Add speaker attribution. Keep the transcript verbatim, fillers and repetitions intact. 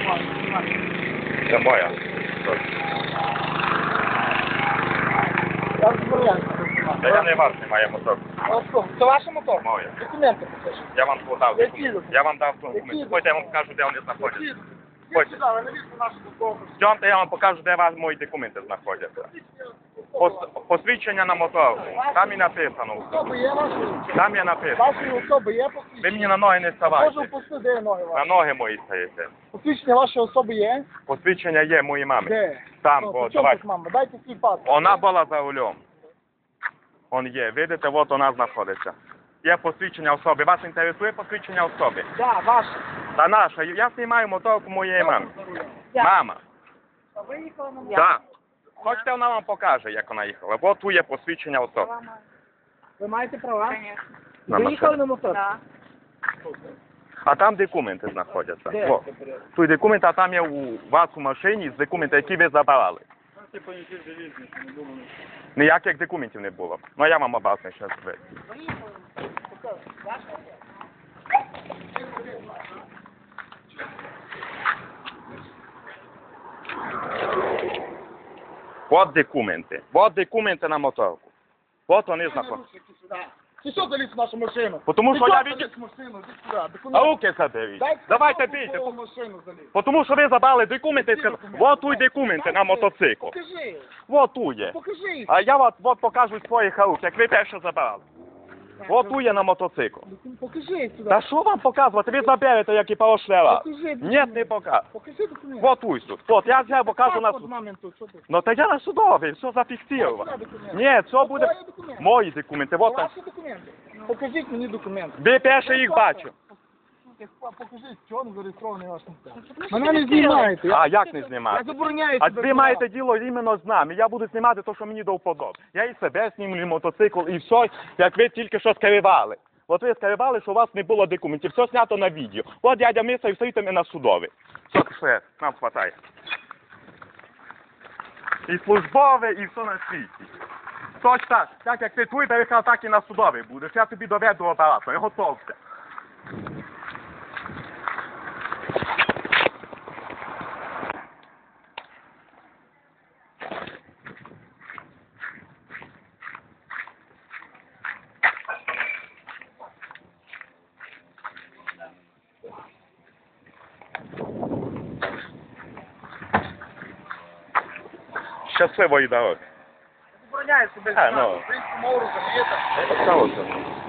Speaker 1: Це моя.
Speaker 2: Я розбираюся.
Speaker 1: Та я не вас немає мотор.
Speaker 2: Це ваш мотор?
Speaker 1: Моя.
Speaker 2: Документи покажіть.
Speaker 1: Я вам подав
Speaker 2: Які
Speaker 1: документи.
Speaker 2: документи?
Speaker 1: Я вам дав
Speaker 2: Які
Speaker 1: документи.
Speaker 2: документи?
Speaker 1: Хочете, я вам покажу, де вони знаходяться.
Speaker 2: Ідіть
Speaker 1: Хочете?
Speaker 2: сюди, ви навіщо нашу документи?
Speaker 1: Йдемте, я вам покажу, де вас мої документи знаходяться. Пос- Посвідчення на моторку. Там і написано.
Speaker 2: Особи є ваші?
Speaker 1: Там є написано.
Speaker 2: Ваші особи є
Speaker 1: Ви
Speaker 2: посвідчення?
Speaker 1: мені на ноги не
Speaker 2: Можу
Speaker 1: ставайте.
Speaker 2: впустити, де ноги
Speaker 1: На
Speaker 2: ваші?
Speaker 1: ноги мої стаєте.
Speaker 2: Посвідчення вашої особи є?
Speaker 1: Посвідчення є моїй мами.
Speaker 2: Де?
Speaker 1: Там,
Speaker 2: Ну,
Speaker 1: бо
Speaker 2: при чому
Speaker 1: давай.
Speaker 2: тут мама? Дайте свій паспорт.
Speaker 1: Вона була за рулем. Он є. Видите, от вона знаходиться. Є посвідчення особи. Вас інтересує посвідчення особи?
Speaker 2: Да, ваше.
Speaker 1: Та наша. Я знімаю моторку моєї мами.
Speaker 2: Я.
Speaker 1: Мама.
Speaker 2: А ви їхали на
Speaker 1: Так. Хочете, вона вам покаже, як вона їхала. От тут є посвідчення особи.
Speaker 2: Ви маєте права?
Speaker 1: На
Speaker 2: Ви
Speaker 1: машину.
Speaker 2: їхали на мотор?
Speaker 3: Так.
Speaker 1: А там документи знаходяться.
Speaker 2: Де?
Speaker 1: О, тут документи, а там є у вас у машині документи, які ви забрали. Ніяких документів не було. Ну я вам обасний ще зробити. От документи. От документи на моторку. От вони знаходяться.
Speaker 2: Ти що заліз в нашу машину?
Speaker 1: Тому
Speaker 2: Ти
Speaker 1: що
Speaker 2: що
Speaker 1: я
Speaker 2: заліз
Speaker 1: від...
Speaker 2: в машину? Іди сюди.
Speaker 1: А
Speaker 2: Документи.
Speaker 1: руки заберіть.
Speaker 2: Дайте
Speaker 1: Давайте
Speaker 2: кнопку,
Speaker 1: бійте.
Speaker 2: в машину заліз.
Speaker 1: Тому що ви забрали документи і
Speaker 2: Які
Speaker 1: сказали,
Speaker 2: документи?
Speaker 1: от тут документи на мотоцикл.
Speaker 2: Покажи.
Speaker 1: От тут є.
Speaker 2: Покажи їх.
Speaker 1: А я от, от покажу своїх рук, як ви перше забрали. От тут є на мотоцикл.
Speaker 2: Покажи їх сюди.
Speaker 1: Та що вам показувати? Ви заберете, як і пошлева.
Speaker 2: Покажи.
Speaker 1: Ні, не покажу.
Speaker 2: Покажи документи.
Speaker 1: От тут тут. От я взяв, покажу на
Speaker 2: Паспорт
Speaker 1: суд.
Speaker 2: мамин тут, що ти?
Speaker 1: Ну та я на судовий, все зафіксировано.
Speaker 2: Твої документи.
Speaker 1: Ні, це буде
Speaker 2: Твої документи.
Speaker 1: мої документи. От там.
Speaker 2: Ваші документи. Покажіть мені документи.
Speaker 1: Ви перше їх бачу.
Speaker 2: Покажіть, що він зареєстрований ваш мотор. Мене не знімаєте.
Speaker 1: А як не
Speaker 2: Я
Speaker 1: знімати?
Speaker 2: забороняю
Speaker 1: А
Speaker 2: тебе
Speaker 1: ви маєте діло іменно з нами. Я буду знімати те, що мені до вподоби. Я і себе знімлю, і мотоцикл, і все, як ви тільки що скривали. От ви скривали, що у вас не було документів. Все знято на відео. От дядя Миса і все йдемо на судовий. Все, все, нам хватає. І службове, і все на світі. Точно так, так як ти твій перехав, так і на судовий будеш. Я тобі доведу апарату, я готовся. Щасливої дороги.
Speaker 2: Забороняю себе
Speaker 1: А,
Speaker 2: знімати.
Speaker 1: ну.
Speaker 2: Українську мову розумієте?
Speaker 1: Це